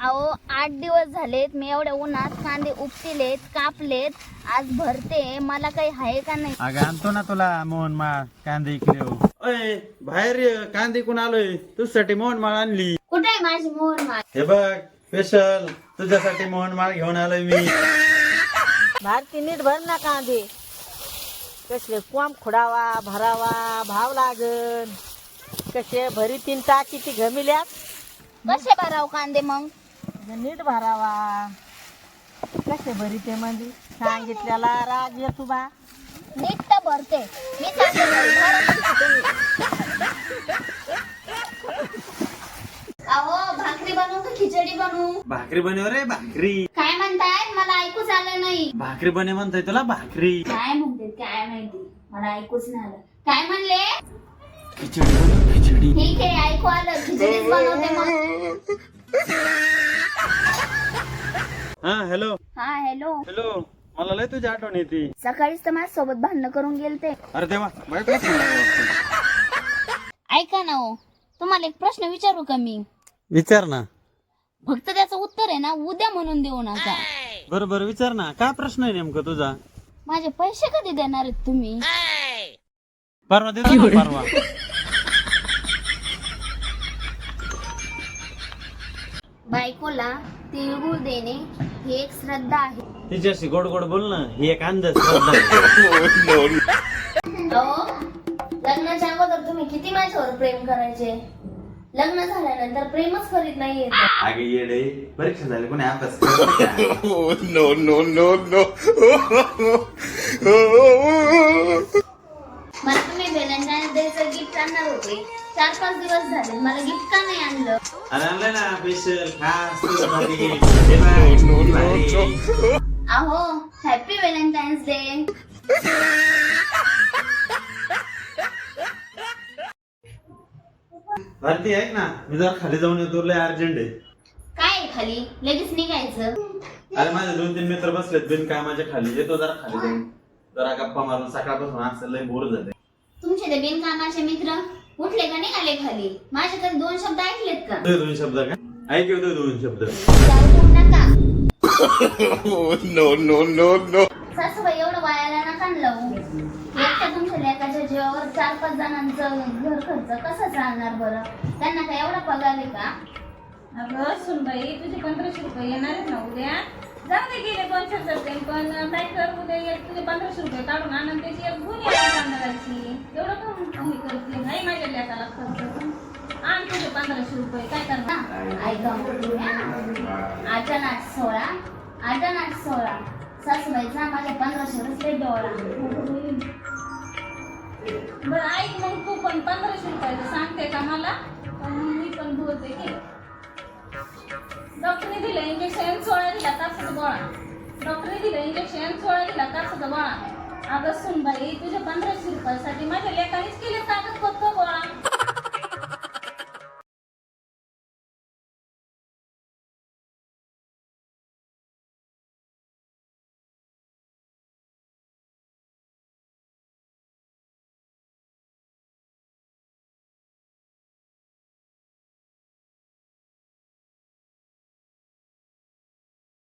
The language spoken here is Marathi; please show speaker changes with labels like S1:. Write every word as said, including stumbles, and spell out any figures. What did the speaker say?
S1: अहो आठ दिवस झालेत मी एवढ्या उन्हात कांदे उपटिलेत कापलेत आज भरते मला काही आहे का नाही.
S2: अगं आणतो ना तुला मोहन माळ कांदे इकडे हो. अय बाहेर ये, कांदे कोण आलोय तुझ्यासाठी मोहन माळ आणली.
S1: कुठे आहे माझी मोहन माळ?
S2: हे बघ स्पेशल तुझ्यासाठी मोहन माळ घेऊन आलोय मी.
S3: भारती नीट भर ना कांदे कसले कोंब खोडावा भरावा भाव लागन कसे भरी तीन टाकी ती घमिल्यात
S1: कसे भराव कांदे मग?
S3: नीट भरावा कसे भरी ते म्हणजे सांगितल्याला राग येतो बा.
S1: नीट तर भरते मी सांगते घरी भरा. अहो भाकरी बनवू का खिचडी बनवू?
S2: भाकरी बनव रे भाकरी.
S1: काय म्हणताय मला ऐकूच आलं नाही.
S2: भाकरी बने म्हणताय तुला भाकरी.
S1: काय म्हणते काय माहिती मला ऐकूच नाही आलं. काय म्हणले?
S2: खिचडी बनव खिचडी.
S1: ठीक आहे ऐकू आलं खिचडीच बनवते मग.
S2: हा हॅलो
S1: हा हॅलो.
S2: हॅलो मला लय तुझी आठवण येते.
S1: सकाळीच तर माझ्या सोबत भांडण करून गेलते.
S2: अरे देवा बायको
S1: ऐका ना हो तुम्हाला एक प्रश्न विचारू का मी?
S2: विचार ना.
S1: फक्त त्याचं उत्तर आहे ना उद्या म्हणून देऊ नका.
S2: बरोबर विचार ना काय प्रश्न आहे नेमका तुझा.
S1: माझे पैसे कधी देणार आहेत तुम्ही?
S2: परवा देतो ना परवा.
S1: बायकोला तिळगुळ देणे ही एक श्रद्धा आहे.
S2: तिच्याशी गोड गोड बोल ना ही एक अंधश्रद्धा आहे.
S1: अहो लग्नाच्या अगोदर तुम्ही किती माझ्यावर प्रेम करायचे. लग्न झाल्यानंतर प्रेमच करीत नाहीये.
S2: अगे येडे परीक्षा झाली कोणी अभ्यास करत
S4: नो नो नो नो
S1: मला तुम्ही व्हॅलेंटाईन्स डेचं गिफ्ट आणणार होते. चार पाच दिवस झाले मला गिफ्ट का नाही आणलं?
S2: अरे आणलं ना स्पेशल खास तुझ्यासाठी. हे बघ, किती भारी.
S1: अहो हॅपी व्हॅलेंटाईन्स डे.
S2: भारती ऐक ना मी जरा खाली जाऊन येतो लय अर्जंट आहे.
S1: काय आहे खाली लगेच निघायचं?
S2: अरे माझे दोन तीन मित्र बसलेत बिनकामाच्या खाली येतो जरा खाली जाऊन जरा गप्पा मारून सकाळपासून असं लय बोर झाले.
S1: तुमचे ते बिनकामाचे मित्र उठले का निघाले खाली? माझ्याकडे दोन शब्द ऐकलेत का?
S2: ते दोन शब्द का ऐक येतो दोन शब्द.
S1: जाऊ नका.
S4: नो नो नो नो
S1: सासूबाई एवढं वायाला नका लावू. एकट्या तुमच्या लेकाच्या जीवावर चार पाच जणांचं घर खर्च कसं चालणार बरं? त्यांना काय एवढा पगार आहे का?
S5: अगं सुनबाई तुझे पंधराशे रुपये येणार आहेत ना उद्या. जाऊ दे गेले दोनशे रुपये पण काय कर उद्या एक तुझे पंधराशे रुपये काढून आणून त्याची एक गुन्हे आणणाराची एवढं कमी करते नाही माझ्या लेकाला खर्च आण तुझे पंधराशे रुपये काय करणार?
S1: ऐका आठ आणि आठ सोळा आठ आणि आठ सोळा सासूबाईचा माझ्या पंधराशे रुपये डोळा.
S5: बरं ऐक मग तू पण पंधराशे रुपयाचं सांगते का मला? पण मी पण बोलते की डॉक्टरने दिलं इंजेक्शन सोळा दिला कापसाचा गोळा. डॉक्टरने दिलं इंजेक्शन सोळा दिला कापसाचा गोळा. अगं सुनबाई तुझ्या पंधराशे रुपयासाठी माझ्या लेकानेच केले कागद